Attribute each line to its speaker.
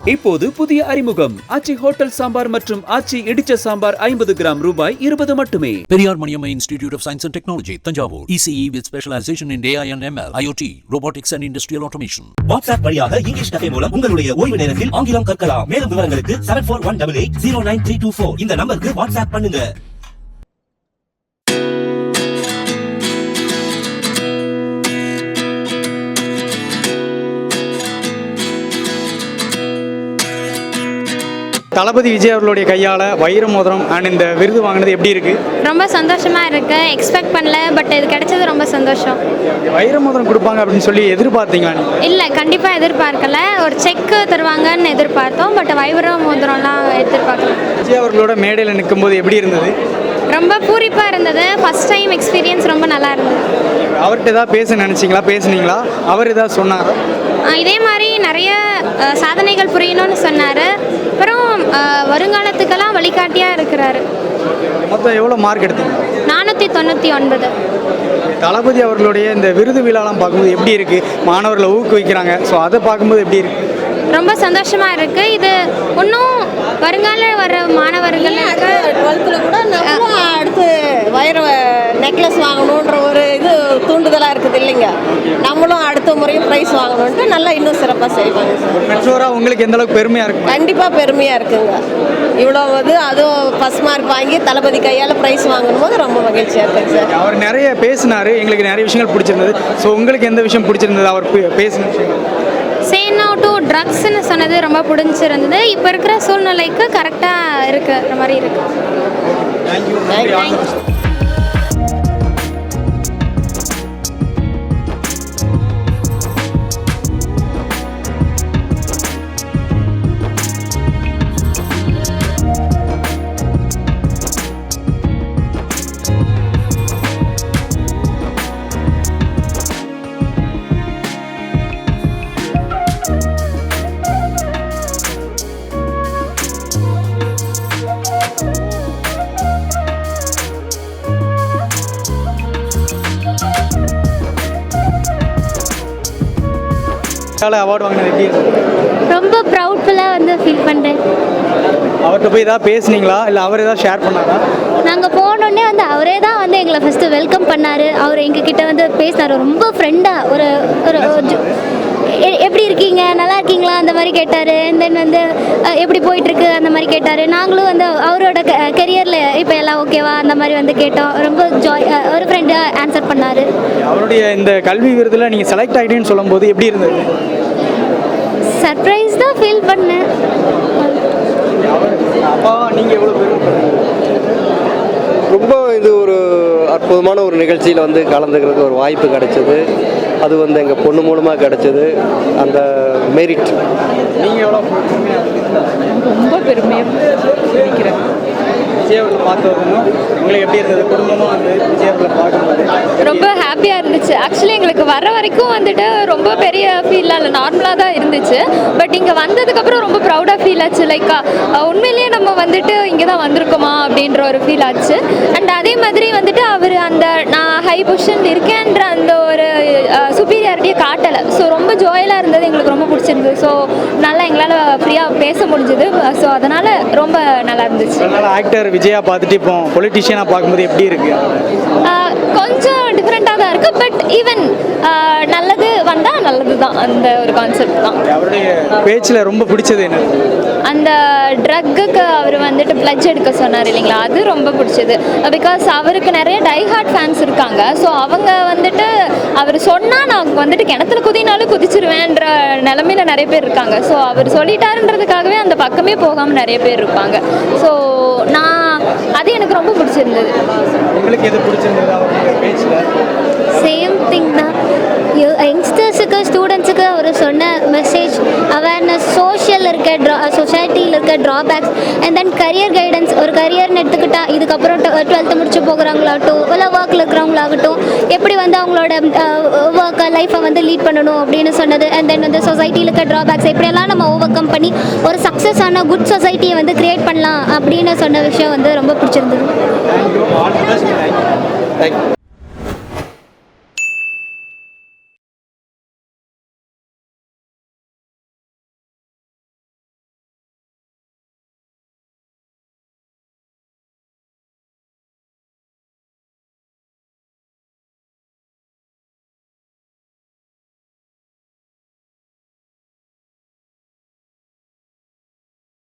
Speaker 1: இப்போது புதிய அறிமுகம் ஆச்சி ஹோட்டல் சாம்பார் மற்றும் ஆச்சி இடிச்ச சாம்பார் 50 கிராம் ரூபாய் 20 மட்டுமே.
Speaker 2: Periyar Maniammai institute of science and technology, Thanjavur. ECE with specialization in AI and ML, IoT, robotics and industrial automation.
Speaker 3: WhatsApp வழியாக இங்கிலீஷ் கஃபே மூலம் உங்களுடைய ஓய்வு நேரத்தில் ஆங்கிலம் கற்கலாம். மேலும் விவரங்களுக்கு 7418809324 இந்த நம்பருக்கு வாட்ஸ்அப் பண்ணுங்க.
Speaker 4: தளபதி விஜய் அவர்களுடைய கையால் வைர மோதிரம் அண்ட் இந்த விருது வாங்கினது எப்படி இருக்கு?
Speaker 5: ரொம்ப சந்தோஷமா இருக்கு. எக்ஸ்பெக்ட் பண்ணல, பட் இது கிடைச்சது ரொம்ப சந்தோஷம்.
Speaker 4: வைர மோதிரம் கொடுப்பாங்க அப்படின்னு சொல்லி எதிர்பார்த்தீங்களா?
Speaker 5: இல்லை, கண்டிப்பாக எதிர்பார்க்கல. ஒரு செக் தருவாங்கன்னு எதிர்பார்த்தோம், பட் வைர மோதிரம்லாம் எதிர்பார்க்கல.
Speaker 4: விஜய் அவர்களோட மேடையில் நிற்கும்போது எப்படி இருந்தது?
Speaker 5: ரொம்ப பூரிப்பாக இருந்தது. ஃபர்ஸ்ட் டைம் எக்ஸ்பீரியன்ஸ் ரொம்ப நல்லா இருந்தது.
Speaker 4: அவர்கிட்ட ஏதாவது பேச நினச்சிங்களா? பேசுனீங்களா? அவர் ஏதாவது சொன்னாரா?
Speaker 5: இதே மாதிரி நிறைய சாதனைகள் புரியணும்னு சொன்னார். அப்புறம் வருங்காலத்துக்கெல்லாம் வழிகாட்டியாக இருக்கிறாரு.
Speaker 4: மொத்தம் எவ்வளோ மார்க் எடுத்தீங்க?
Speaker 5: 499.
Speaker 4: தளபதி அவர்களுடைய இந்த விருது விழாலாம் பார்க்கும்போது எப்படி இருக்குது? மாணவர்களை ஊக்குவிக்கிறாங்க, ஸோ அதை பார்க்கும்போது எப்படி இருக்குது?
Speaker 5: ரொம்ப சந்தோஷமாக இருக்குது. இது இன்னும் வருங்கால வர மாணவர்களுக்கு
Speaker 6: 12th கூட நம்மளும் அடுத்து வைர நெக்லஸ் வாங்கணுன்ற ஒரு இது தூண்டுதலாக இருக்குது இல்லைங்க. நம்மளும் அடுத்த முறையும் ப்ரைஸ் வாங்கணுன்ட்டு நல்லா இன்னும் சிறப்பாக செய்வாங்க சார்.
Speaker 4: பெற்றோராக உங்களுக்கு எந்த அளவுக்கு பெருமையாக இருக்கு?
Speaker 6: கண்டிப்பாக பெருமையாக இருக்குங்க. இவ்வளோ அதுவும் ஃபஸ்ட் மார்க் வாங்கி தளபதி கையால் ப்ரைஸ் வாங்கணும் போது ரொம்ப மகிழ்ச்சியாக இருக்குங்க சார்.
Speaker 4: அவர் நிறைய பேசினார், எங்களுக்கு நிறைய விஷயங்கள் பிடிச்சிருந்தது. ஸோ உங்களுக்கு எந்த விஷயம் பிடிச்சிருந்தது அவர் பேசின விஷயம்?
Speaker 5: சே நோ டு ட்ரக்ஸ்ன்னு சொன்னது ரொம்ப பிடிச்சிருந்தது. இப்போ இருக்கிற சூழ்நிலைக்கு கரெக்டாக இருக்கிற மாதிரி இருக்கு. தேங்க்யூ.
Speaker 4: அவார்டு வாங்கினது எப்படி இருக்கு?
Speaker 5: ரொம்ப ப்ரௌட்ஃபுல்லாக ஃபீல் பண்ணுறேன்.
Speaker 4: அவர்கிட்ட போய் ஏதாவது பேசுனீங்களா, இல்லை அவர் ஏதாவது ஷேர் பண்ணாரா?
Speaker 5: நாங்கள் போனோடனே அவரே தான் எங்களை ஃபஸ்ட்டு வெல்கம் பண்ணார். அவர் எங்ககிட்ட பேசினார். ரொம்ப ஃப்ரெண்டாக ஒரு எப்படி இருக்கீங்க, நல்லா இருக்கீங்களா அந்த மாதிரி கேட்டார். தென் எப்படி போயிட்டுருக்கு அந்த மாதிரி கேட்டார். நாங்களும் அவரோட கெரியரில் இப்போ எல்லாம் ஓகேவா அந்த மாதிரி கேட்டோம். ரொம்ப ஒரு ஃப்ரெண்டாக ஆன்சர் பண்ணார். அவருடைய
Speaker 4: இந்த கல்வி விருதில் நீங்கள் செலக்ட் ஆகிட்டேன்னு சொல்லும்போது எப்படி இருந்தது?
Speaker 5: சர்ப்ரைஸ் தான் ஃபீல் பண்ணேன்.
Speaker 4: நீங்கள் எவ்வளோ
Speaker 7: ரொம்ப இது ஒரு அற்புதமான ஒரு நிகழ்ச்சியில் கலந்துக்கிறதுக்கு ஒரு வாய்ப்பு கிடைச்சது. அது எங்கள் பொண்ணு மூலமாக கிடைச்சது. அந்த மெரிட்
Speaker 4: நீங்கள் எவ்வளோ
Speaker 8: ரொம்ப பெருமையாக நினைக்கிறேன்.
Speaker 4: விஜயவர்களை பார்த்து உங்களுக்கு எப்படி இருந்தது? குடும்பமாக விஜயவர்களை பார்க்கும்போது
Speaker 8: ரொம்ப ஹாப்பியாக இருந்துச்சு. ஆக்சுவலி எங்களுக்கு வர வரைக்கும் ரொம்ப பெரிய ஃபீலாக இல்லை, நார்மலாக தான் இருந்துச்சு. பட் இங்கே வந்ததுக்கப்புறம் ரொம்ப ப்ரௌடாக ஃபீல் ஆச்சு. லைக் உண்மையிலேயே நம்ம இங்கே தான் வந்திருக்கோமா அப்படின்ற ஒரு ஃபீல் ஆச்சு. அண்ட் அதே மாதிரி அவர் நான் ஹை பொசிஷனில் இருக்கேன்ற அந்த ஒரு சுப்பீரியாரிட்டியை காட்டலை. ஸோ ரொம்ப ஜாயலாக இருந்தது. எங்களுக்கு ரொம்ப பிடிச்சிருந்தது. ஸோ நல்லா எங்களால் ஃப்ரீயாக பேச முடிஞ்சது. ஸோ அதனால் ரொம்ப நல்லா இருந்துச்சு.
Speaker 4: ஆக்டர் விஜயா பார்த்துட்டு இப்போ பொலிட்டிஷியனாக பார்க்கும்போது எப்படி இருக்கு?
Speaker 8: கொஞ்சம் டிஃப்ரெண்ட்டாக தான் இருக்குது. பட் ஈவன் நல்லது வந்தால் நல்லது தான். அந்த ஒரு கான்செப்ட் தான்.
Speaker 4: அவருடைய பேச்சில் ரொம்ப பிடிச்சது என்ன?
Speaker 8: அந்த ட்ரக்குக்கு அவர் பிளட்ஜ் எடுக்க சொன்னார் இல்லைங்களா, அது ரொம்ப பிடிச்சது. பிகாஸ் அவருக்கு நிறைய டைஹார்ட் ஃபேன்ஸ் இருக்காங்க. ஸோ அவங்க அவர் சொன்னால் நான் கிணத்துல குதினாலும் குதிச்சிருவேன்ற நிலமையில நிறைய பேர் இருக்காங்க. ஸோ அவர் சொல்லிட்டாருன்றதுக்காகவே அந்த பக்கமே போகாமல் நிறைய பேர் இருப்பாங்க. ஸோ அது எனக்கு ரொம்ப பிடிச்சிருந்தது.
Speaker 4: உங்களுக்கு எது பிடிச்சிருந்தது அவருடைய பேச்சில்?
Speaker 5: சேம் திங் தான். யங்ஸ்டர்ஸுக்கு ஸ்டூடெண்ட்ஸுக்கு அவர் சொன்ன மெசேஜ் அவேர்னஸ், சொசைட்டியில் இருக்க drawbacks and then career guidance. ஒரு கரியர்னு எடுத்துக்கிட்டால் இதுக்கப்புறம் 12th முடிச்சு போகிறவங்களாகட்டும், இல்லை ஒர்க்கில் இருக்கிறவங்களாகட்டும், எப்படி அவங்களோட ஒர்க்கை லைஃப்பை லீட் பண்ணணும் அப்படின்னு சொன்னது. அண்ட் தென் சொசைட்டியில் இருக்க ட்ராபேக்ஸ் எப்படியெல்லாம் நம்ம ஓவர் கம் பண்ணி ஒரு சக்ஸஸான குட் சொசைட்டியை கிரியேட் பண்ணலாம் அப்படின்னு சொன்ன விஷயம் ரொம்ப பிடிச்சிருந்தது.